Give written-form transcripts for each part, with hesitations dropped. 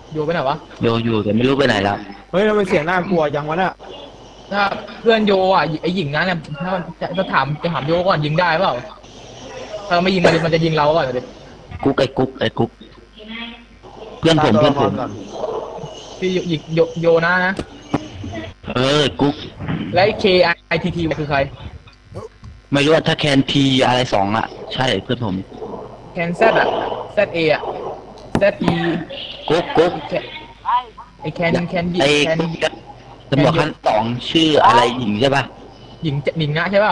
โยไปไหนวะโยอยู่แต่ไม่รู้ไปไหนแล้วเฮ้ยทำไมเสียงน่ากลัวจังวะเนี่ยถ้าเพื่อนโยอ่ะไอหญิงนั้นเนี่ยถ้าจะถามโยก่อนยิงได้เปล่าถ้าไม่ยิงมันจะยิงเราก่อนเลยกุ๊กไอ้กุ๊กไอ้กุ๊กเพื่อนผมเพื่อนผมที่ยิงโยนะกุ๊กและKITTคือใครไม่รู้ว่าถ้าแคนทีอะไรสองอ่ะใช่เพื่อนผมแคนเซอ่ะZAอ่ะZE กุ๊กไอแคนไอ้ตำรวจขั้นสองชื่ออะไรหญิงใช่ป่ะหญิงนะใช่ป่ะ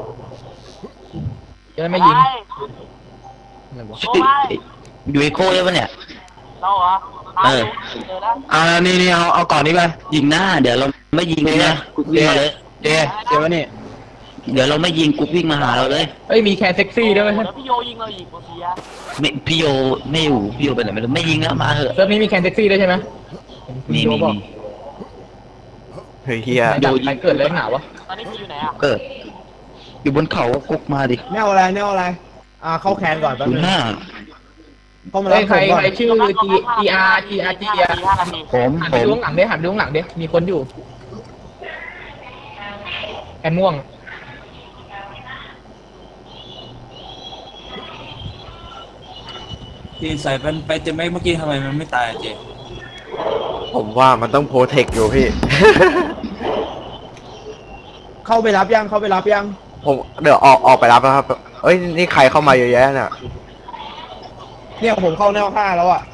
จะไม่ยิงชื่อยูเอโคใช่ป่ะเนี่ยเราเหรอนี่เอาก่อนนี้ไปยิงหน้าเดี๋ยวเราไม่ยิงนะกุ๊กวิ่งมาเลยเดี๋ยวนี่เดี๋ยวเราไม่ยิงกุ๊กวิ่งมาหาเราเลยเอ้ยมีแคนเซ็กซี่ด้วยแล้วพี่โยยิงเราอีกโอเคไม่พี่โยไม่อยู่พี่โยไปไหนไม่ยิงแล้วมาเถอะเซิร์ฟนี้มีแคนเซ็กซี่ด้วยใช่ไหมมีเฮ้ยเฮียโยยิงเกิดเลยหนาวะตอนนี้พี่อยู่ไหนอ่ะเกิดอยู่บนเขากุ๊กมาดิแนวอะไรเข้าแคนก่อนแป๊บนึงใครชื่อ GR ผมหันไปดูข้างหลังดิหันไปดูข้างหลังดิมีคนอยู่แอนม่วงที่ใส่ไปเจแม็กเมื่อกี้ทำไมมันไม่ตายเจผมว่ามันต้องโปรเทคอยู่พี่ เข้าไปรับยังผมเดี๋ยวออกไปรับแล้วครับเอ้ยนี่ใครเข้ามาเยอะแยะเนี่ยผมเข้าแนว5แล้วอ่ะ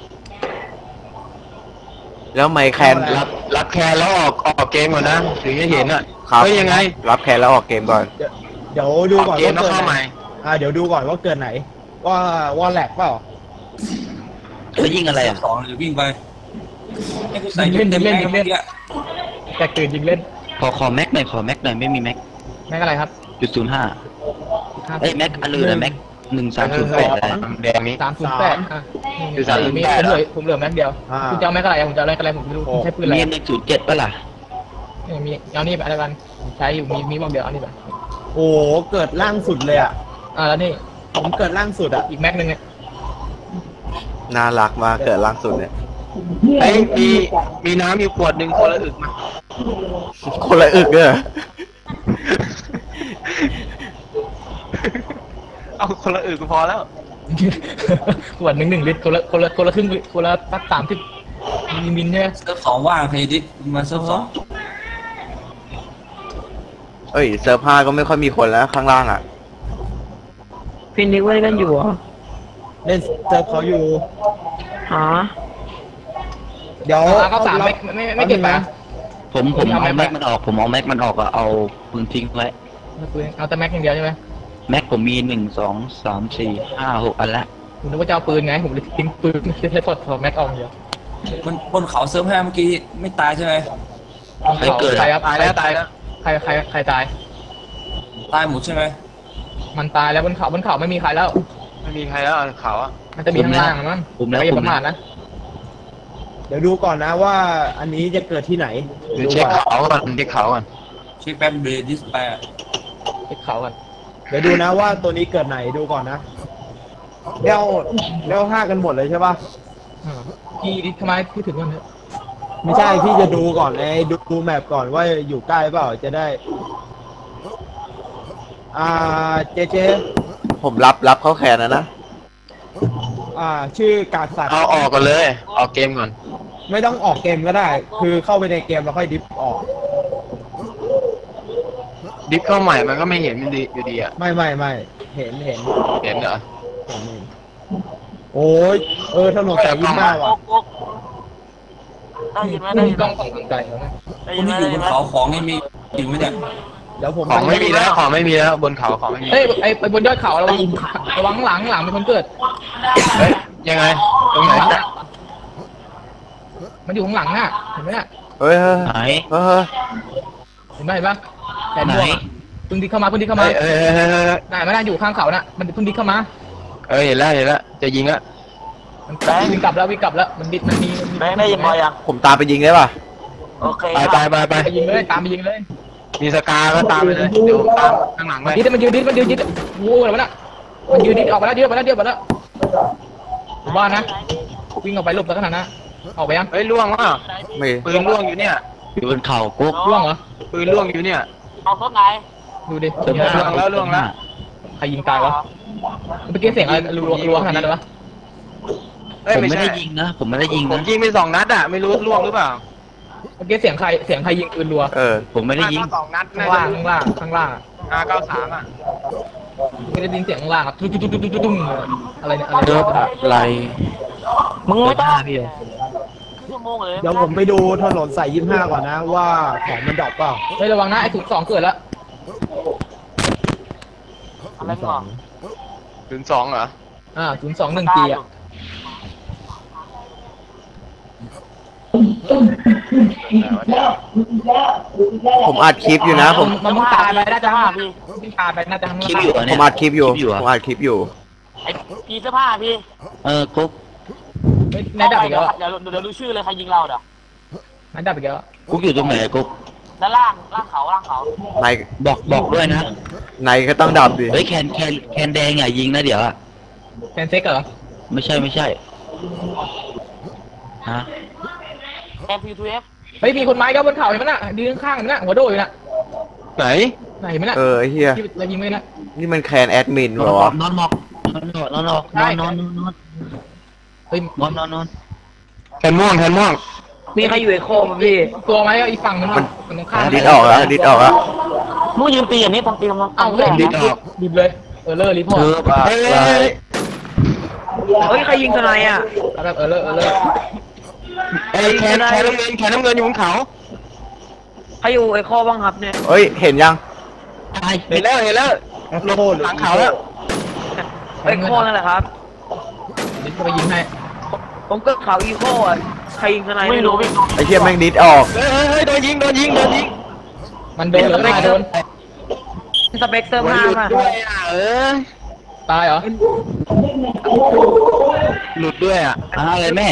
แล้วไมแคนรับแคนแล้วออกเกมก่อนนะถึงจะเห็นอ่ะครับยังไงรับแคนแล้วออกเกมก่อนเดี๋ยวดูก่อนว่าเกิดไหนเดี๋ยวดูก่อนว่าเกิดไหนว่าแหลกเปล่าแล้วยิงอะไรสองหรือวิ่งไปให้กูใส่เล่นแต่เกิดยิงเล่นขอแม็กหน่อยไม่มีแม็กอะไรครับ .05แม็กอันอื่นนะแม็ก1308อะไรแดงนี้ 308คือผมเหลือแม็กเดียวคุณจะเอาแม็กอะไรผมจะเอาอะไรผมไม่รู้ใช้ปืนอะไรมี107ป่ะล่ะมีเอานี่ไปอะไรกันใช้อยู่มีบ้างเดียวเอานี่ไปโอ้เกิดล่างสุดเลยอ่ะแล้วนี่ผมเกิดล่างสุดอ่ะอีกแม็กนึงเนี่ยน่ารักมากเกิดล่างสุดเนี่ยมีน้ำมีขวดหนึ่งคนละอึกมาคนละอึกเนี่ยเอาคนละอึกพอแล้วขวด1 ลิตรคนละครึ่งคนละตัก30มิลเนี่ยเซิร์ฟสองว่างใครดิมาเซิร์ฟสองเอ้ยเซิร์ฟ5ก็ไม่ค่อยมีคนแล้วข้างล่างอ่ะพี่นิกเล่นกันอยู่เหรอเล่นเซิร์ฟเขาอยู่เดี๋ยวก็3ไม่เก็บไปผมเอาแม็กมันออกเอาปืนทิ้งไว้เอาแต่แม็กอย่างเดียวใช่ไหมแม็กผมมี1 2 3 4 5 6อันละผมนึกว่าจะเอาปืนไงผมเลยทิ้งปืนไม่ใช่ถอดแม็กออกเดียวบนเขาเซิร์ฟ5เมื่อกี้ไม่ตายใช่ไหมใครเกิดตายแล้วใครตายตายหมดใช่ไหมมันตายแล้วบนเขาไม่มีใครแล้วเขาอ่ะมันจะมีข้างล่างมั้งไม่ประมาทนะเดี๋ยวดูก่อนนะว่าอันนี้จะเกิดที่ไหนเช็คเขาก่อนเช็คแป๊บเบรดิสไปเช็คเขาก่อนเดี๋ยวดูนะว่าตัวนี้เกิดไหนดูก่อนนะเดี๋ยว5กันหมดเลยใช่ป่ะพี่ทำไมพี่ถึงวันนี้ไม่ใช่พี่จะดูก่อนดูแมปก่อนว่าอยู่ใกล้เปล่าจะได้เจผมรับเข้าแขนนะชื่อกาสัตว์เอาออกก่อนเลยออกเกมก่อนไม่ต้องออกเกมก็ได้คือเข้าไปในเกมแล้วค่อยดิฟออกดิฟเข้าใหม่มันก็ไม่เห็นมันดีอยู่ดีอ่ะไม่เห็นเหรอโอ้ยถนนสาย25ว่ะได้ยินไหมได้ยินต้องส่องไกลแล้วนะคนที่อยู่บนเขาของนี่มีอยู่ไหมเนี่ยเดี๋ยวผมของไม่มีแล้วบนเขาของไม่มีไปบนยอดเขาระวังหลังมีคนเกิดยังไงตรงไหนมันอยู่ข้างหลังน่ะเห็นไหมน่ะไหนเห็นปะแต่ไหนพึ่งดิเข้ามาไหนไม่ได้อยู่ข้างเขาน่ะมันพึ่งดิเข้ามาเห็นแล้วจะยิงละมันวิ่งกลับแล้วมันมีแบงค์ได้ยินพอยังผมตามไปยิงได้ป่ะโอเคไปยิงเลยตามไปยิงเลยมีสกาก็ตามไปเลยเดี๋ยวตามข้างหลังไปมันยืดโว้อะไรวะน่ะมันยืดออกมาแล้วเดียวบ้านนะวิ่งออกไปหลบแล้วขนาดนั้นออกไปยังเฮ้ยล่วงอ่ะไม่ปืนล่วงอยู่เนี่ยอยู่บนเขากุ๊กร่วงเหรอปืนล่วงอยู่เนี่ยเอาต้นไหนดูดิเสื้อผ้าล่วงแล้วใครยิงตายวะเมื่อกี้เสียงอะไรรัวขนาดนั้นเลยวะเอ้ยผมไม่ไม่ใช่ได้ยิงนะผมไม่ได้ยิงผมนะยิงไป2 นัดอ่ะไม่รู้ล่วงหรือเปล่าเมื่อกี้เสียงใครยิงปืนรัวผมไม่ได้ยิง 2 นัดข้างล่างข้างล่างอะ 93อ่ะไม่ได้ยินเสียงข้างล่างอะตุ้มอะไรเนี่ยอะไรเดินไหลมึงไม่ต้องพี่ชั่วโมงเลยเดี๋ยวผมไปดูถนนสาย25ก่อนนะว่าของมันดรอปเปล่าเฮ้ยระวังนะไอ้02เกิดแล้วอะไรมึงบอก 02เหรอ 021 G อ่ะผมอัดคลิปอยู่นะผมมันตายไปน่าจะพี่ตายไปน่าจะข้างคลิปล่างอยู่เหรอผเนี่ยมอัดคลิปอยู่เหรผมอัดคลิปอยู่ไอ้พี่เสื้อผ้าพี่กุ๊กนายดับอีกแล้วเดี๋ยวรู้ชื่อเลยใครยิงเราเด้อนายดับอีกแล้วกุ๊กอยู่ตรงไหนกุ๊กด้านล่างเขาในบอกด้วยนะในก็ต้องดับดิเฮ้ยแคนแดงอย่ายิงนะเดี๋ยวอะแฟนเซ็กเหรอไม่ใช่ฮะแอนพีทูเอฟเฮ้ยมีคนไม้ก็บนเขาเห็นมั้ยน่ะยืนข้างๆเห็นมั้ยน่ะหัวโดดอยู่น่ะไหนไหนเห็นมั้ยน่ะไอ้เฮียที่เรายิงไม่น่ะนี่มันแคนแอดมินเหรอวะนอนหมอกนอนเฮ้ยนอนแทนม่วงมีใครอยู่ไอโคมพี่ตัวไม้ก็อีกฝั่งนึงมันตรงข้ามดิดออกแล้วดิดออกแล้วมึงยืนตีอย่างนี้ทำตีทำเอ้าเฮ้ยดิบเลยเลอร์รีพอร์ตเฮ้ยเฮ้ยใครยิงทนายอ่ะแบบเลอร์ไอ้แคนน้ำเงินอยู่บนเขาใครอยู่ไอโคบ้างครับเนี่ยเฮ้ยเห็นยังเห็นแล้วลงหลังเขาแล้วไอโคนั่นแหละครับดิบไปยิงให้ผมก็เขาอีโคอ่ะใครยิงทนายไม่รู้พี่ไอ้เฮียแม่งดิดออกเฮ้ยโดนยิงมันโดนหรือไม่โดนสเปกเตอร์มาป่ะด้วยอ่ะตายเหรอหลุดด้วยอ่ะอะไรแม่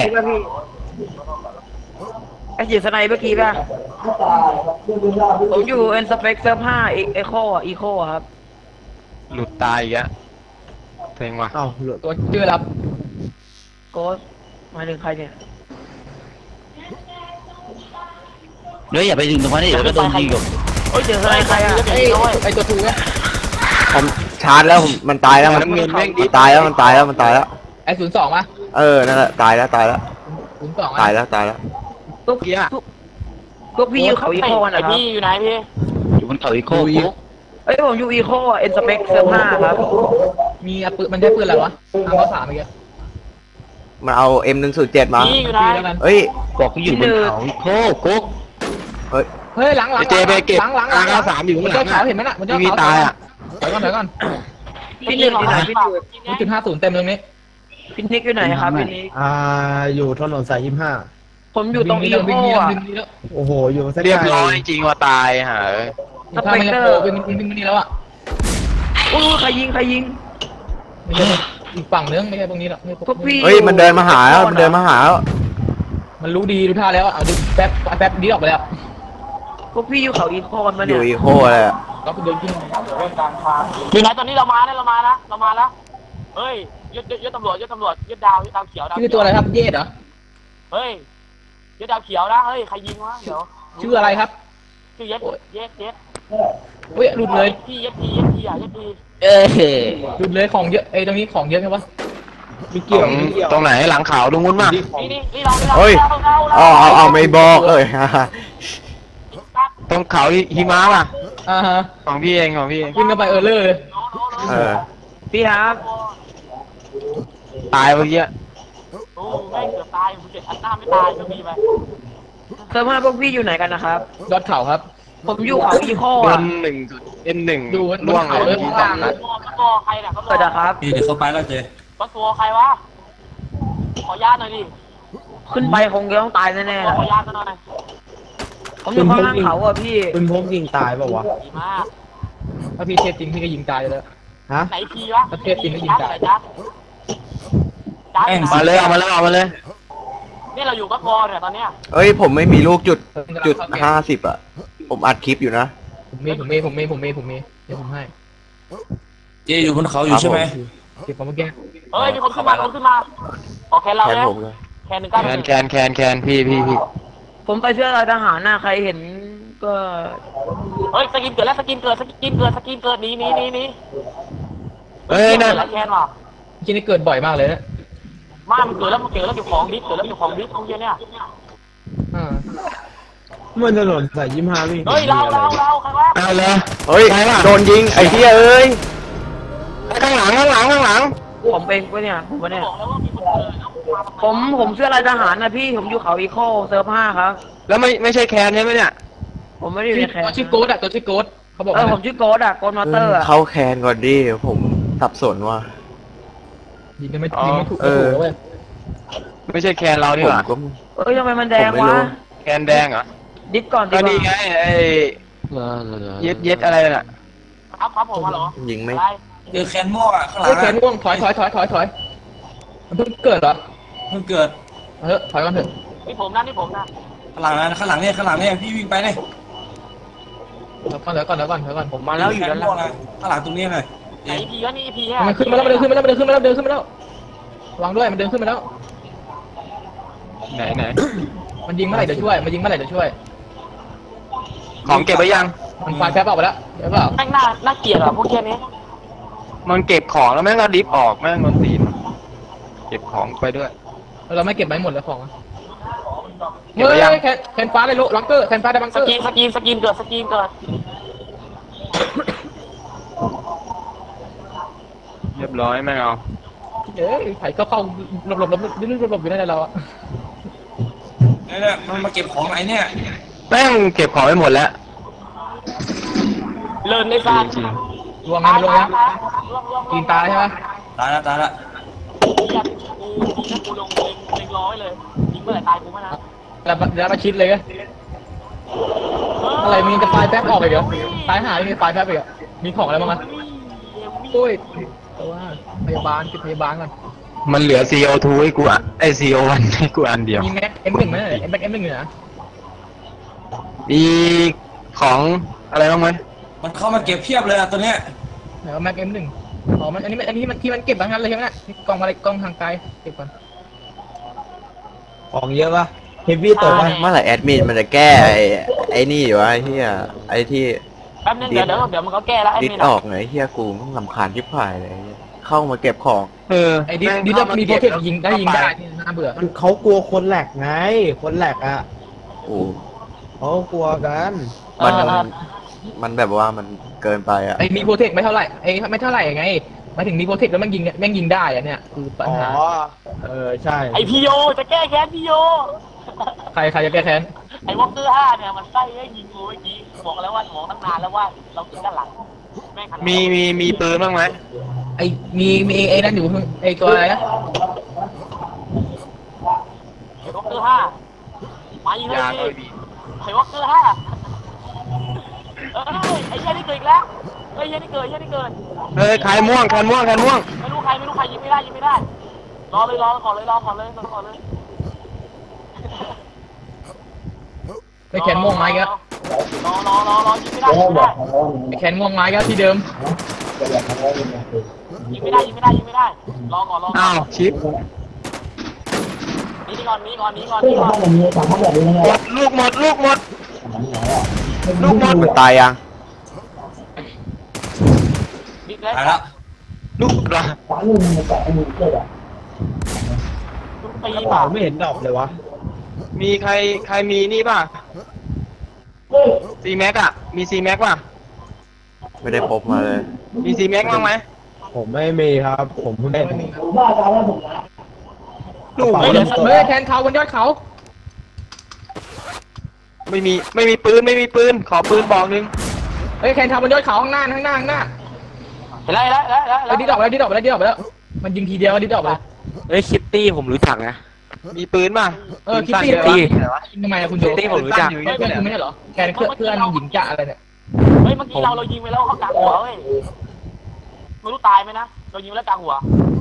ไอจีสไนเมื่อกี้ป่ะผมอยู่เอ็นสเปกเตอร์5ไอโคอ่ะอีโคครับหลุดตายอีกอ่ะเซ็งว่ะตัวชื่อรับโกสหมายถึงใครเนี่ยเดี๋ยวอย่าไปถึงตรงนั้นเดี๋ยวก็โดนยิงอยู่โอ้ยเจอทนายใครอ่ะไอตัวทูเนี่ยผมชาร์จแล้วมันตายแล้วมันน้ำเงินแม่งดิตายแล้วมันตายแล้วไอ02ป่ะนั่นแหละตายแล้ว 02 ตายแล้วตุ๊กตุ๊กพี่อยู่เขาอีโคนะไอครับพี่อยู่ไหนพี่อยู่บนเขาอีโคกุ๊กเอ้ยผมอยู่อีโคเอ็นสเปกเตอร์5ครับมีปืนมันใช้ปืนอะไรวะ3 เมื่อกี้มันเอา M107 มาพี่อยู่ไหนแล้วกันเฮ้ยบอกเขาอยู่บนเขาอีโคกุ๊กเฮ้ยหลังเจไปเก็บหลัง R93 อยู่ข้างหลังเขาเห็นไหมน่ะมันจะมีตายอ่ะเดี๋ยวก่อนพี่หนึ่งอยู่ไหนพี่หนึ่ง 0.50เต็มตรงนี้พี่นิกอยู่ไหนครับพี่นิกอยู่ถนนสายผมอยู่ตรงอีโคอ่ะ 25โอ้โหอยู่เรียบร้อยจริงว่าตายหาสเปกเตอร์วิ่งนี่แล้วอ่ะโอ้ใครยิงไม่ใช่อีกฝั่งนึงไม่ใช่ตรงนี้หรอกพวกพี่เฮ้ยมันเดินมาหาแล้วมันมันรู้ดีดูท่าแล้วเอาดูแป๊บดีออกไปแล้วพวกพี่อยู่เขาอีโคกันมาอเนี่ยยู่อีโคเลยอะก็ไปเดินขึ้นมีไหนตอนนี้เรามาแล้วเฮ้ยยศตำรวจยศดาวเขียวชื่อตัวอะไรครับเยดเหรอเฮ้ยยศดาวเขียวนะเฮ้ยใครยิงวะเดี๋ยวชื่ออะไรครับชื่อเย็ดเฮ้ยหลุดเลยพี่เย็ดพีอ่ะเย็ดพีหลุดเลยของเยอะตรงนี้ของเยอะไหมวะมีเกี่ยวตรงไหนหลังขาวตรงนู้นมานี่เราเฮ้ยเอาไม่บอกเลยตรงเขาหิมะป่ะฮะของพี่เองวิ่งเข้าไปเลอร์เลยพี่ครับตายเมื่อกี้โอ้แม่งเกือบตายกูเจ็บอันหน้าไม่ตายก็มีไปเซอร์มาพวกพี่อยู่ไหนกันนะครับยอดเขาครับผมอยู่เขาอีโคโดอ่ะน1 ดูล่วงเขาเลเลย ยข้างล่างก็ใครน่ะก็เปิดนะครับเดี๋ยวเขาไปแล้วเจก็ตัวใครวะขอญาตหน่อยดิขึ้นไปคงจะต้องตายแน่ๆขล่ะอญาตหน่อยผมอยู่ข้างล่างเขาอ่ะพี่ปืนพกยิงตายป่าวะดีมากถ้าพี่เทพจริงพี่ก็ยิงตายเลยฮะไหนพีวะประเทศจีนก็ยิงตายจัดมาเลยเอามาเลยนี่เราอยู่ก็พอเนี่ยตอนเนี้ยเอ้ยผมไม่มีลูกจุด50อ่ะผมอัดคลิปอยู่นะผมมีเดี๋ยวผมให้เจอยู่บนเขาอยู่ใช่ไหมเก็บของเมื่อกี้เฮ้ยมีคนขึ้นมาโอเคเราแทนเนี่ยผมเลยแคนหนึ่งเก้าแคนพี่ผมใส่เสื้อลายทหารน่ะใครเห็นก็เฮ้ยสกินเกิดแล้วสกินเกิดหนีเฮ้ยนั่นแล้วแคนว่ะที่นี่เกิดบ่อยมากเลยนะมันเกิดแล้วเก็บของดิสของเยอะเนี่ยอ่ามันถนนสาย25วิ่งเฮ้ยเราใครวะเอาเลยเฮ้ยโดนยิงไอ้เหี้ยเอ้ยข้างหลังผมเองปะเนี่ยผมปะเนี่ยบอกแล้วว่ามีคนเกิดแล้วมาทำไมผมเสื้อลายทหารนะพี่ผมอยู่เขาอีโคเซิร์ฟ5ครับแล้วไม่ใช่แคนใช่ไหมเนี่ยผมไม่ได้อยู่ในแคตัวนชื่อโกดอะตัวชื่อโกดเขาบอกผมชื่อโกดอะโกดมอเตอร์อะเข้าแคนก่อนดิผมสับสนว่ะยิงไม่ถูกเว้ยไม่ใช่แคนเรานี่ผหมว่าก็ทำไมมันแดงผมไม่รู้วะแคนแดงเหรอดิสก่อนดีก็กว่านี่ไงไอ้เย็ดอะไรน่ะครับผมฮัลโหลยิงไม่อะไรเจอแคนม่วงอ่ะข้างหลัเฮ้ยงแขนอ่ะง่วงถอยมันเพิ่งเกิดเหรอเพิ่งเกิดถอยก่อนเถอะนี่ผมนะข้างหลังเนี่ยพี่วิ่งไปเนี่ยเดี๋ยวก่อนผมมาแล้วอยู่ด้านหลังข้างหลังตรงนี้เลยไอพีก็นี่พีแค่มันขึ้นมาแล้วมันเดินขึ้นมาแล้ววางด้วยมันเดินขึ้นมาแล้วไหนมันยิงเมื่อไหร่เดี๋ยวช่วยของเก็บไปยังมันไฟแป๊บออกไปแล้วเดี๋ยวเปล่าแม่งน่าเกลียดอ่ะพวกแค่นี้มันเก็บของแล้วแม่งก็ดิฟออกแม่งนอนตีนเก็บของไปด้วยเราไม่เก็บไว้หมดแล้วของเก็บไว้ยังแคนฟ้าเลยลูกลังเกอร์แคนฟ้าได้บังสเกอร์กินเกิดเรียบร้อยแม่งเอาเอ้ยไผ่เข้าหลบอยู่นั่นแหละเราอะเนี่ยมันมาเก็บของไหนเนี่ยแม่งเก็บของไปหมดแล้วเลินในฟาร์มจริงรวมนะกินตาใช่ไหมตายละกูลงเล็งร้อยเลยยิงเมื่อไหร่ตายกูไม่นะแล้วมาชิดเลยก็อะไรมีจะไฟแป๊บออกไปเหรอตายหายมีไฟแป๊บไปเหรอมีของอะไรบ้างอ่ะโอ้ยแต่ว่าพยาบาลติดพยาบาลก่อนมันเหลือ CO2 ให้กูอ่ะไอ CO1 ให้กูอันเดียวมีแม็ก M1 ไหมแม็ก M1 อยู่นะมีของอะไรบ้างไหมมันเข้ามาเก็บเพียบเลยอ่ะตัวเนี้ยไหนว่าแม็ก M1 อ๋อมันอันนี้ที่มันเก็บทั้งนั้นเลยใช่ไหมน่ะกล่องอะไรกล่องทางไกลเก็บก่อนของเยอะปะเฮฟวี่ตกปะเมื่อไหร่แอดมินมันจะแก้ไอ้นี่วะไอ้เหี้ยไอ้ที่แป๊บนึงเดี๋ยวมันก็แก้แล้วไอ้ดิสนี่อนะอกไงเหี้ยกูต้องรำคาญชิบหายเลยเข้ามาเก็บของไอ้ดิสมีโปรเทคยิงได้ที่น่าเบื่อมันเขากลัวคนแหลกไงคนแหลกอ่ะกูเขากลัวกันมันแบบว่ามันเกินไปอ่ะไอ้มีโปรเทคไม่เท่าไหร่ไม่เท่าไหร่ไงมาถึงมีโปรเทคแล้วมันยิงได้อะเนี่ยคือปัญหาใช่ไอพีโอจะแก้แค้นพีโอใครจะแก้แค้นไอวอลเกอร์5เนี่ยมันไส้ให้ยิงกูเมื่อกี้บอกแล้วว่าบอกตั้งนานแล้วว่าเราติดด้านหลังแม่งขนาดมีปืนบ้างไหมไอ้มีไอ้นั่นอยู่ไอ้ตัวอะไรนะไอวอลเกอร์5มายิงเลยดิไอวอลเกอร์5ไอ้เหี้ยนี่เกิดอีกแล้วเฮ้ยเหี้ยนี่เกิดเฮ้ยใครม่วงไม่รู้ใครยิงไม่ได้รอก่อนเลยไอ้แขนม่วงไม้ก็รอยิงไม่ได้ไอ้แขนม่วงไม้ก็ที่เดิมยิงไม่ได้รอก่อนอ้าวชิปนี่ก่อนลูกหมดมันตายยังนี่เลยตายละลูกละปีกระป่ะเป๋าไม่เห็นดอกเลยวะมีใครมีนี่ป่ะซีแม็กอ่ะมีซีแม็กป่ะไม่ได้พบมาเลยมีซีแม็กบ้างไหมผมไม่มีครับ ผมเพิ่งได้ลูกเฮ้ยแทนเขาบนยอดเขาไม่มีปืนขอปืนบอกนึงเฮ้ยแทนเขาบนยอดเขาข้างหน้าเห็นแล้วดิดออกไปแล้วมันยิงทีเดียวดิดออกไปเฮ้ยคิตตี้ผมรู้จักนะมีปืนป่ะคิตตี้ทำไมคุณโจคิตตี้ผมรู้จักเพื่อนคุณไม่ใช่เหรอแกเพื่อนหญิงจะอะไรเนี่ยเฮ้ยเมื่อกี้เรายิงไปแล้วเขากลางหัวเว้ยไม่รู้ตายไหมนะเรายิงแล้วกลางหัว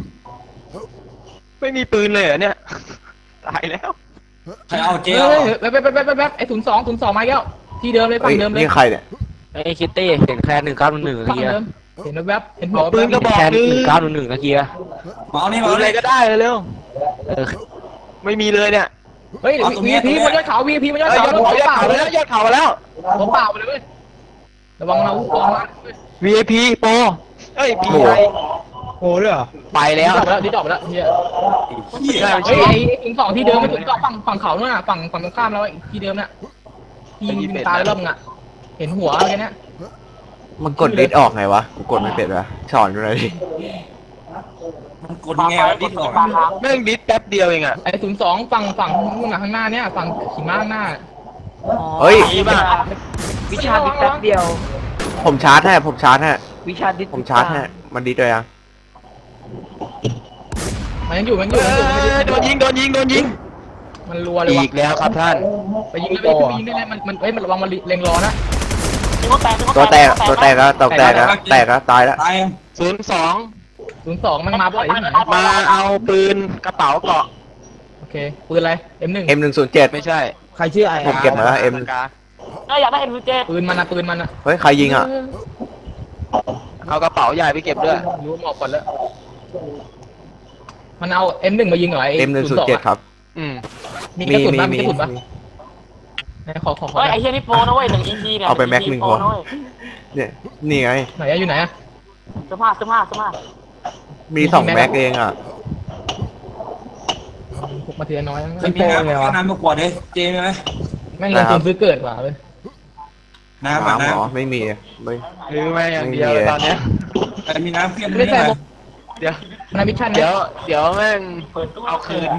ไม่มีปืนเลยเหรอเนี่ยตายแล้วใครเอาเจ๊เฮ้ยไอ้02มาแล้วที่เดิมเลยฝั่งเดิมเลยนี่ใครเนี่ยไอ้คิตตี้เห็นแค่1911 ฝั่เมื่งอกี้เดิมเห็นแวบเห็นหัวปืนกระบอกแค่นึง 1911เมื่อกี้มาเอานี่ปืนอะไรก็ได้เร็วเออไม่มีเลยเนี่ยเฮ้ยวีพีมันยอดเขาวีพีมันยอดเขายอดเขาแล้วยอดเขาแล้วผมเปล่าไปเลยเว้ยระวังเรากองมา VIP โปรเอ้ยพีไอโอ้ด้วยเหรอไปแล้วดิดอกไปแล้วเฮียเหี้ยเฮ้ยไอ้ถึงสองที่เดิมมันถึงก็ฝั่งเขาเนี่ยฝั่งตรงข้ามแล้วที่เดิมน่ะยิงตายแล้วมึงอ่ะเห็นหัวอะไรเนี่ยมันกดดิสออกไงวะกูกดไม่เป็นวะสอนดูหน่อยดิมันกดยังไงวะดิสออกแม่งดิสแป๊บเดียวเองอ่ะไอ้02ฝั่งนู่นน่ะข้างหน้าเนี่ยฝั่งขี่ม้าข้างหน้าเฮ้ยวิชาดิสแป๊บเดียวผมชาร์จให้ผมชาร์จให้วิชาดิสผมชาร์จให้มันดิสเลยยังมันยังอยู่โดนยิงมันรัวเลยอีว่ะกแล้วครับท่านไปยิงได้ไปยิงได้เลยมันระวังมันเล็งรอนะตัวแตกแล้วแตกแล้วตายแล้วตาย 02 มันมาบ่อยที่ไหนมาเอาปืนกระเป๋าเกาะโอเคปืนอะไร M1 M107 ไม่ใช่ใครชื่อไอ้ผมเก็บมาแล้ว M อยากได้ M7 ปืนมันอ่ะเฮ้ยใครยิงอ่ะเอากระเป๋าใหญ่ไปเก็บด้วยรู้หมอกก่อนแล้วมันเอา M1 มายิงเหรอไอ้ M107 ครับมีกระสุนปะมีกระสุนปะขอเฮ้ยไอ้เฮียนี่โปรนะเว้ย1 EP เนี่ยเอาไปแม็กหนึ่งหัวเนี่ยนี่ไงไหนอยู่ไหนอะเสื้อผ้ามี2 แม็กเองอ่ะพกมาเทียน้อยไม่มีน้ำก็น้ำมากวดเลยเจมีไหมแม่งลงทุนซื้อเกิดกว่าเลยน้ำอ่ะน้ำหรน้อไม่มีไม่หรือไม่อย่างเดียวตอนเนี้ยำแต่มีน้ำเพี้ยนไม่ไม่ใช่ได้เดี๋ยวนาวิชั่นเดี๋ยวแม่งเอาคืน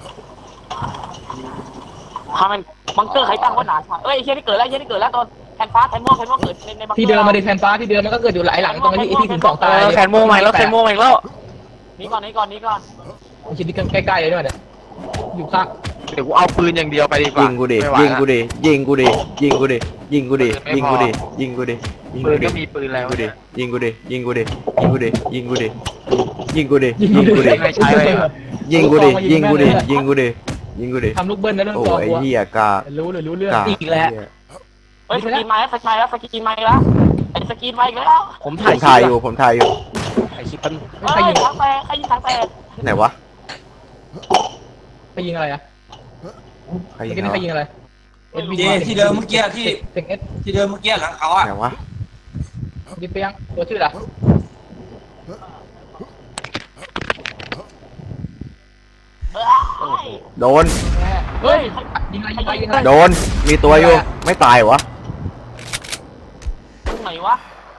ทำมันบังเกอร์ใครตั้งว่าหนาเอ้ยไอ้เฮียนี่เกิดแล้วตอนแทนฟ้าแทนม่วงเกิดในบังเกอร์ที่เดิมมาดิแทนฟ้าที่เดิมมันก็เกิดอยู่หลายหลังตรงที่ถึง2ตายแคนโมใหม่แล้วนี่ก่อนชิ้นที่ใกล้ๆเลยด้วยเนี่ยอยู่ข้างเดี๋ยวกูเอาปืนอย่างเดียวไปดีกว่ายิงกูดิไม่ไหวยิงละกูดิยิงกูดิยิงกูดิยิงกูดิยิงกูดิยิงกูดิยิงปืกูนดิก็มีปืนแล้วกูดิยิงกูดิยิงกูดิยิงกูดิยิงกูดิยิงกูดิยิงกูดิไม่ใช่เลยยิงกูดิยิงกูดิยิงกูดิยิงกูดิทำลูกเบิ้ลนะเรื่องโอ้ตัวไอ้กูเหี้ยการู้เรื่องกาอีกแล้วเฮ้ยสกินมาแล้วไอ้สกินมาอีกแล้วผมถ่ายอยู่ผมถ่ายอยู่ใครยิงถังแตกไหนวะไปยิงอะไรอะใครยิงใครยิงอะไรเจที่เดิมเมื่อกี้ที่เต็งเอสที่เดิมเมื่อกี้หลังเขาอ่ะไหนวะดิเปียงตัวชื่ออะไรโดนเฮ้ยยิงอะไรโดนมีตัวอยู่ไม่ตายวะตรงไหนวะ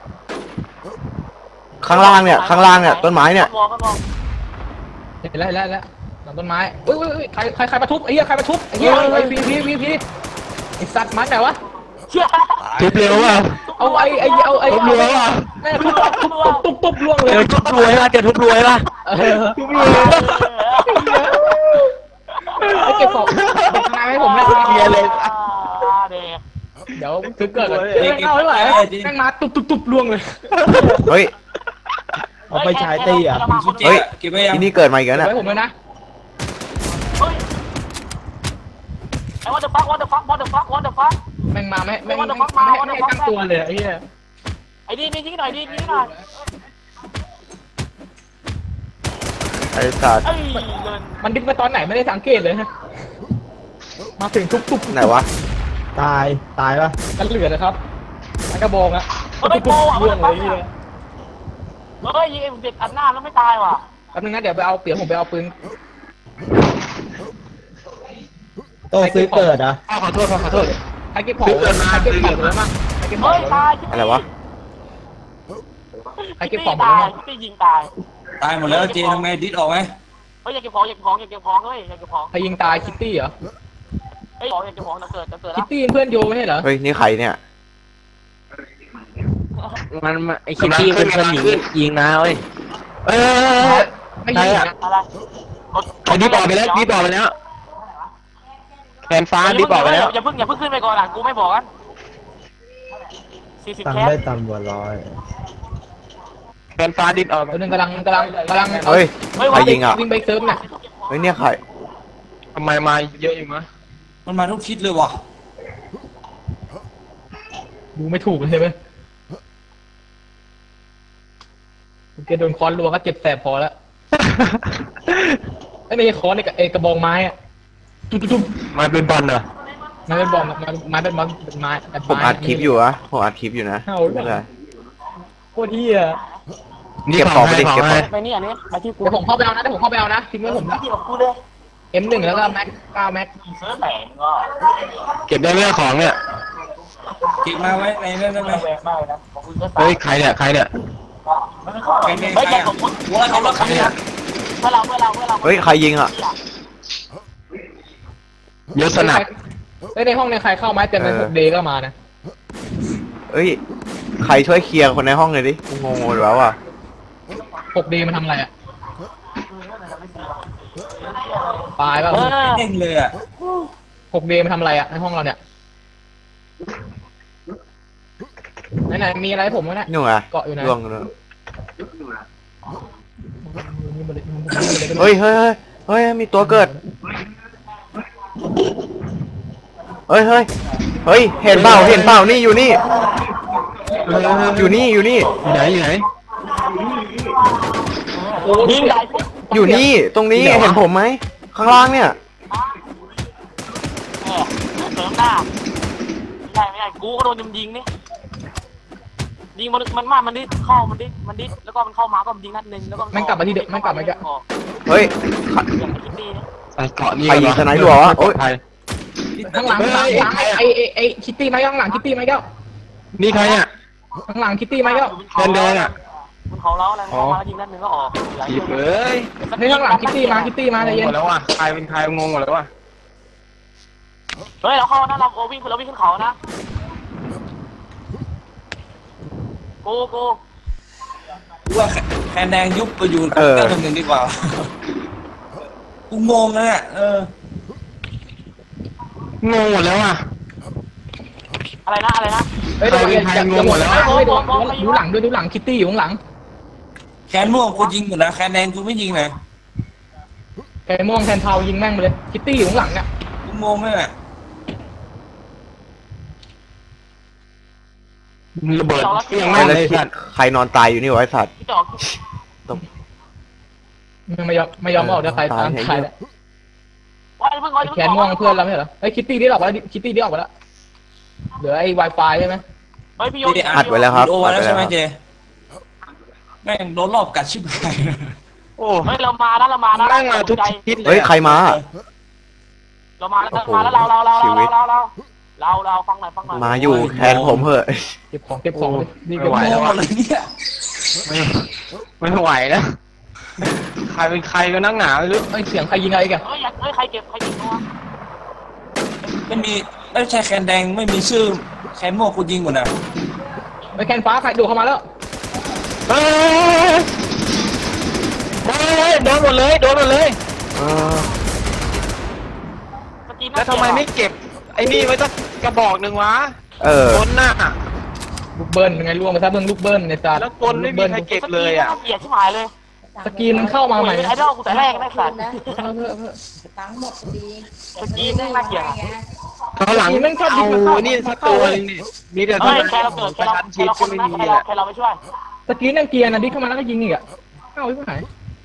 ข้างล่างเนี่ยต้นไม้เนี่ยเห็นแล้วหลังต้นไม้อุ้ยใครมาทุบไอ้เหี้ยใครมาทุบไอ้เหี้ยไอ้พีไอ้สัตว์มันไหนวะทุบเร็วอ่ะเอาทุบรวยว่ะแม่ทุบล่วงเลยทุบรวยป่ะทุบรวยป่ะทุบรวยไอ้เก็บของนายให้ผมนะเบียร์เลยเดี๋ยวซื้อเกิดก่อนเอาไม่ไหวแม่งมาตุบล่วงเลยเฮ้ยเอาไปฉายตีอ่ะเฮ้ยเก็บไว้ยังที่นี่เกิดมาอีกแล้วเนี่ยไว้ผมเลยนะไอ้ what the fuck แม่งมาไม่ตั้งตัวเลยไอ้เหี้ยไอ้ดียิงหน่อยไอ้สัตว์เอ้ยมันดิ้นมาตอนไหนไม่ได้สังเกตเลยฮะมาถึงทุบไหนวะตายปะกันเหลือนะครับมันกระบองอะไม่โปอ่ะล่วงเลยนี่เฮ้ยยิงไอ้เด็กอัดหน้าแล้วไม่ตายว่ะแป๊บนึงนะเดี๋ยวผมไปเอาปืนโตซื้อเกิดอ่ะขอโทษใครเก็บของเลยมั้งใครเก็บของเฮ้ยตายอะไรวะใครเก็บของตายที่ยิงตายตายหมดแล้วเจทำไงดิสออกไหมเฮ้ยอยากเก็บของเฮ้ยอยากเก็บของใครยิงตายคิตตี้เหรอเฮ้ยอยากเก็บของจะเกิดคิแล้ตวตี้เพื่อนโยไม่ใช่เหรอเฮ้ยนี่ใครเนี่ยมันไอคิตตี้เป็นคนยิงนะเว้ยไม่ยิงนะอะไรไอ้ดิบออกไปแล้วแคนฟ้าดิบออกไปแล้วอย่าเพิ่งขึ้นไปก่อนอ่ะกูไม่บอกกัน40 ตังแคค์สได้ต่ำกว่า100 แคนฟ้าดิบออกตัวนึงกำลังเฮ้ยใครยิงอ่ะวิ่งไปเซิร์ฟเนี่ยเฮ้ยเนี่ยใครทำไมมาเยอะอยู่มั้ยมันมาทุกทิศเลยว่ะดูไม่ถูกเลยใช่ไหมแกโดนค้อนรัวก็เจ็บแสบพอแล้วไอ้ในค้อนไอ้กระบองไม้อะตุ๊บมาเป็นบอลเหรอมันเป็นบอลไม้เป็นบอลไม้ผมอัดคลิปอยู่อะผมอัดคลิปอยู่นะไม่เป็นไรโคตรเหี้ยนี่เก็บของไปดิให้เก็บของไปนี่อันนี้ไปที่กูเดี๋ยวผมเข้าไปเอานะเดี๋ยวผมเข้าไปเอานะทิ้งไว้ผมนะที่ของกูเลย M1 แล้วก็แม็ก9แม็กเสื้อแต่งก็เก็บได้ไหมของเนี่ยเก็บมาไว้ในนั้นได้ไหมแรงมากเลยนะของคุณก็เฮ้ยใครเนี่ยใครเนี่ยไม่เข้าไม่ใช่ของคุณว่าเขาเลิกใครเนี่ยเมื่อเราเฮ้ยใครยิงอะยศนัดในห้องในใครเข้าไม้เต็มเลย6 เดย์ก็มานะเอ้ยใครช่วยเคลียร์คนในห้องหน่อยดิกูงงหมดแล้วอ่ะ 6 เดย์มันทำอะไรอ่ะตายป่ะเด้งเลยอ่ะ 6 เดย์มันทำอะไรอ่ะในห้องเราเนี่ยไหนมีอะไรให้ผมวะเนี่ยนู่นอะเกาะอยู่ไหนล่วงเลยเฮ้ยเฮ้ยเฮ้ยมีตัวเกิดเฮ้ยเฮ้ยเฮ้ยเห็นเปล่านี่อยู่นี่อยู่นี่อยู่ไหนยิงได้อยู่นี่ตรงนี้เห็นผมไหมข้างล่างเนี่ยเสริมหน้าไม่ใช่กูก็โดนยิงนี่ยิงมันดิเข้ามันดิแล้วก็มันเข้ามาก็ยิงนัดนึงแล้วก็มันกลับมาที่เดิมมันกลับมาอีกเฮ้ยอย่างคิดดีนะเกาะนี่ใครยิงสไนด์รัววะโอ๊ยข้างหลังไอ้คิตตี้ไหมข้างหลังคิตตี้ไหมเจ้านี่ใครเนี่ยข้างหลังคิตตี้ไหมเจ้าแดงอ่ะมันเขาเล้าอะไรเข้ามายิงนัดนึงก็ออกหยิบเลยเฮ้ยข้างหลังคิตตี้มาใจเย็นหมดแล้วอ่ะใครเป็นใครงงหมดแล้วอ่ะเฮ้ยเราเข้านะเราวิ่งขึ้นเขานะกูว่าแคนแดงยุบไปอยู่กับเจ้าหนึ่งดีกว่ากูงงเลยอ่ะงงหมดแล้วอ่ะอะไรนะเฮ้ยดูหลังด้วยดูหลังคิตตี้อยู่ข้างหลังแคนม่วงกูยิงหมดนะแคนแดงกูไม่ยิงเลยแกม่วงแทนเทายิงแม่งไปเลยคิตตี้อยู่ข้างหลังเนี่ยกูงงเลยอ่ะระเบิดยังไม่ไม่แล้เลวย ใครนอนตายอยู่นี่วะไอ้สัตว์พี่จอกไม่ยอมออกเดี๋ยวใครตามใครแล้วว่าเพิ่งแขนม่วงเพื่อนเราไม่เหรอไอ้คิตตี้ที่ออกไปแล้วคิตตี้ที่ออกไปแล้วเหลือไอ้ Wi-Fi ใช่ไหมเฮ้ยพี่โยอัดไว้แล้วครับโออัดแล้วไว้ใช่แล้วไหมครับเจแม่งโดนรอบกัดชิบหายโอ้เฮ้ยเรามานะนั่งมาทุกทิศเลยเฮ้ยใครมาเรามาแล้วเราฟังหน่อยมาอยู่แทนผมเหอะเก็บของนี่ไม่ไหวแล้วหมอ่ะดเลยเนี่ยไม่ไหวแล้วใครเป็นใครก็นั่งหนาไม่รู้ไอ้เสียงใครยิงอะไรกันเฮ้ยใครเก็บตัวไม่มีไม่ใช่แคนแดงไม่มีชื่อแคนม่วงกูยิงหมดนะไอ้แคนฟ้าใครดูเข้ามาแล้วเฮ้ยโดนหมดเลยแล้วทำไมไม่เก็บไอ้นี่ไว้สักกระบอกหนึ่งวะคนน่ะลูกเบิ้ลยังไงล่วงไปซะเบิ้งลูกเบิ้ลในจานแล้วคนไม่มีใครเก็บเลยอ่ะเกลียดชิบหายเลยสกีมันเข้ามาใหม่ไอ้ดอกกูแต่แรกได้สัตว์ทั้งหมดดีสกีนี่น่าเกลียดเขาหลังเอานี่สักตัวนึงนี่มีแต่เฮ้ยแค่เราเกิดแค่เราคนนะแค่เราไปช่วยสกีนั่งเกียร์นะดิเข้ามาแล้วก็ยิงอีกอ่ะเอ้าไม่หาย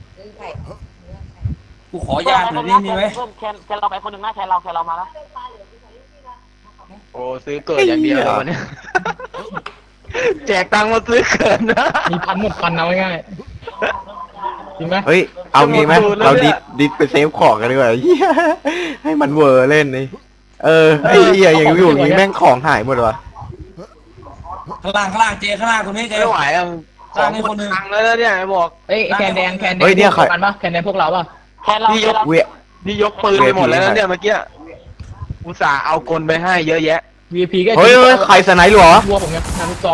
กูขอยาหน่อยนี่ไหมแค่เราไปคนหนึ่งนะแค่เรามาแล้วโอ้ซื้อเกิดอย่างเดียววันนี้แจกตังค์มาซื้อเกิดนะมีพันหมดพันเอาง่ายจริงไหมเฮ้ยเอางี้ไหมเราดิดไปเซฟของกันดีกว่าเหี้ยให้มันเวอร์เล่นนี่ไอ้เหี้ยอย่างอยู่อย่างนี้แม่งของหายหมดวะข้างล่างเจข้างล่างตรงนี้เจไม่ไหวอ่ะของคนพังแล้วเนี่ยบอกเอ้ยแคนแดงกันปะแคนแดงพวกเราป่ะแค่เรานี่ยกปืนไปหมดแล้วเนี่ยเมื่อกี้อุตส่าห์เอากลไปให้เยอะแยะ VIP ก็เฮ้ยใครสไนด์รัววะรัวผมไงลูกซอง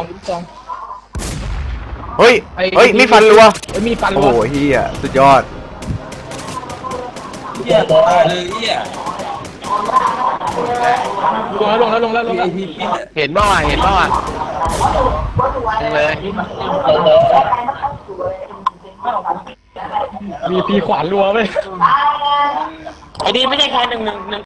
เฮ้ยมีฟันรัวมีฟันรัโอ้วโหเฮียสุดยอดเหี้ยตายเลยเหี้ยลงแล้วเห็นบ้างเลย VIP ขวานรัวไปไอ้ดีไม่ใช่แค่1-1